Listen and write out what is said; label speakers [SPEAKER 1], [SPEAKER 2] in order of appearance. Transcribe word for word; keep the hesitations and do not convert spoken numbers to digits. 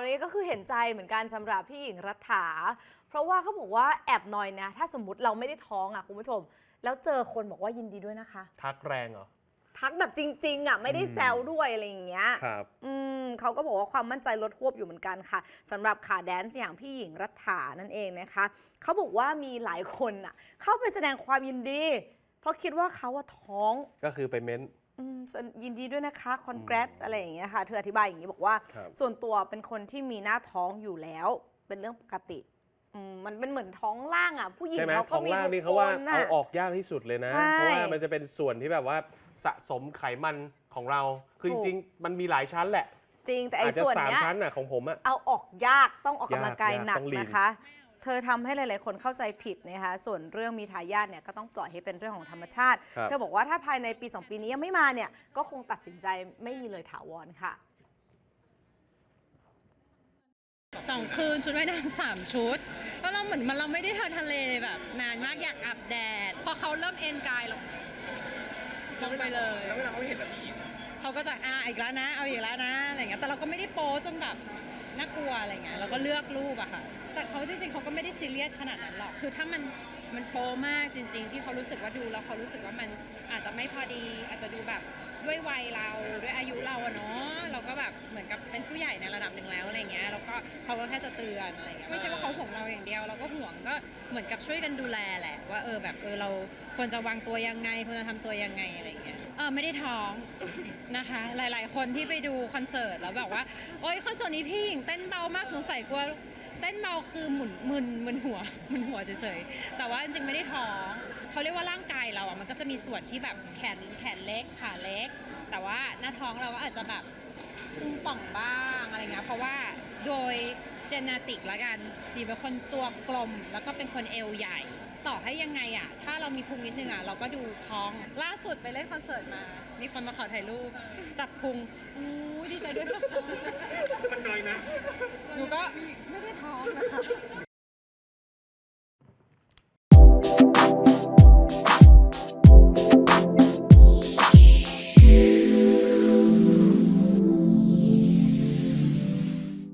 [SPEAKER 1] นี้ก็คือเห็นใจเหมือนกันสำหรับพี่หญิงรัฐาเพราะว่าเขาบอกว่าแอบนอยนะถ้าสมมติเราไม่ได้ท้องอ่ะคุณผู้ชมแล้วเจอคนบอกว่ายินดีด้วยนะคะ
[SPEAKER 2] ทักแรงเหรอ
[SPEAKER 1] ทักแบบจริงๆอ่ะไม่ได้แซวด้วยอะไรอย่างเงี้ย
[SPEAKER 2] ครับ
[SPEAKER 1] อืมเขาก็บอกว่าความมั่นใจลดหวบอยู่เหมือนกันค่ะสำหรับขาแดนซ์อย่างพี่หญิงรัฐานั่นเองนะคะเขาบอกว่ามีหลายคนอ่ะเข้าไปแสดงความยินดีเพราะคิดว่าเขาว่าท้อง
[SPEAKER 2] ก็คือไปเม้น
[SPEAKER 1] ยินดีด้วยนะคะ congrats อะไรอย่างเงี้ยค่ะเธออธิบายอย่างนี้บอกว่าส่วนตัวเป็นคนที่มีหน้าท้องอยู่แล้วเป็นเรื่องปกติมันเป็นเหมือนท้องล่างอ่ะผู้หญิงเขาก็มีท้องล่าง
[SPEAKER 2] นี่เขาว่าเอาออกยากที่สุดเลยนะเพราะว่ามันจะเป็นส่วนที่แบบว่าสะสมไขมันของเราคือจริงๆมันมีหลายชั้นแหละ
[SPEAKER 1] จริงแต่ไอ้ส่วนเนี้ย
[SPEAKER 2] ชั้นน่ะของผมอะ
[SPEAKER 1] เอาออกยากต้องออกกำลังกายหนักนะคะเธอทำให้หลายๆคนเข้าใจผิดนะคะส่วนเรื่องมีทายาทเนี่ยก็ต้องปล่อยให้เป็นเรื่องของธรรมชาติเธอบอกว่าถ้าภายในปีสองปีนี้ยังไม่มาเนี่ยก็คงตัดสินใจไม่มีเลยถาวรค่ะ
[SPEAKER 3] สองคืนชุดว่ายน้ำสามชุดแล้วเราเหมือนมันเราไม่ได้เที่ยวทะเลแบบนานมากอยากอาบแดดพอเขาเริ่มเอนกายลงลงไปเลย
[SPEAKER 4] แล้วเวลาเขาเห็นแบบนี้
[SPEAKER 3] เขาก็จะอ่าอีกแล้วนะเอาอีกแล้วนะอะไรเงี้ยแต่เราก็ไม่ได้โป๊จนแบบน่ากลัวอะไรเงี้ยเราก็เลือกรูปอะค่ะแต่เขาจริงๆเขาก็ไม่ได้ซีเรียสขนาดนั้นหรอกคือถ้ามันมันโป๊มากจริงๆที่เขารู้สึกว่าดูแล้วเขารู้สึกว่ามันอาจจะไม่พอดีอาจจะดูแบบด้วยวัยเราด้วยอายุเราอะเนาะเราก็แบบเหมือนกับเป็นผู้ใหญ่ในระดับหนึ่งแล้วอะไรเงี้ยแล้วก็เขาก็แค่จะเตือนอะไรเงี้ยไม่ใช่ว่าเขาห่วงเราอย่างเดียวเราก็ห่วงก็เหมือนกับช่วยกันดูแลแหละว่าเออแบบเออเราควรจะวางตัวยังไงควรจะทำตัวยังไงอะไรเงี้ยเออไม่ได้ท้องนะคะหลายๆคนที่ไปดูคอนเสิร์ตแล้วแบบว่าโอ๊ยคอนเสิร์ตนี้พี่หญิงเต้นเบามากสงสัยกลัวเต้นเบาคือหมุนมึนมึนหัวมึนหัวเฉยๆแต่ว่าจริงๆไม่ได้ท้องเขาเรียกว่าร่างกายเราอ่ะมันก็จะมีส่วนที่แบบแขนแขนเล็กขาเล็กแต่ว่าหน้าท้องเราก็อาจจะแบบพุงป่องบ้างอะไรเงี้ยเพราะว่าโดยเจเนติกละกันดีเป็นคนตัวกลมแล้วก็เป็นคนเอวใหญ่ต่อให้ยังไงอ่ะถ้าเรามีพุงนิดนึงอ่ะเราก็ดูท้องล่าสุดไปเล่นคอนเสิร์ตมามีคนมาขอถ่ายรูปจับพุงอู้ดีใจด้วยนะคะ
[SPEAKER 4] มันน้อยนะ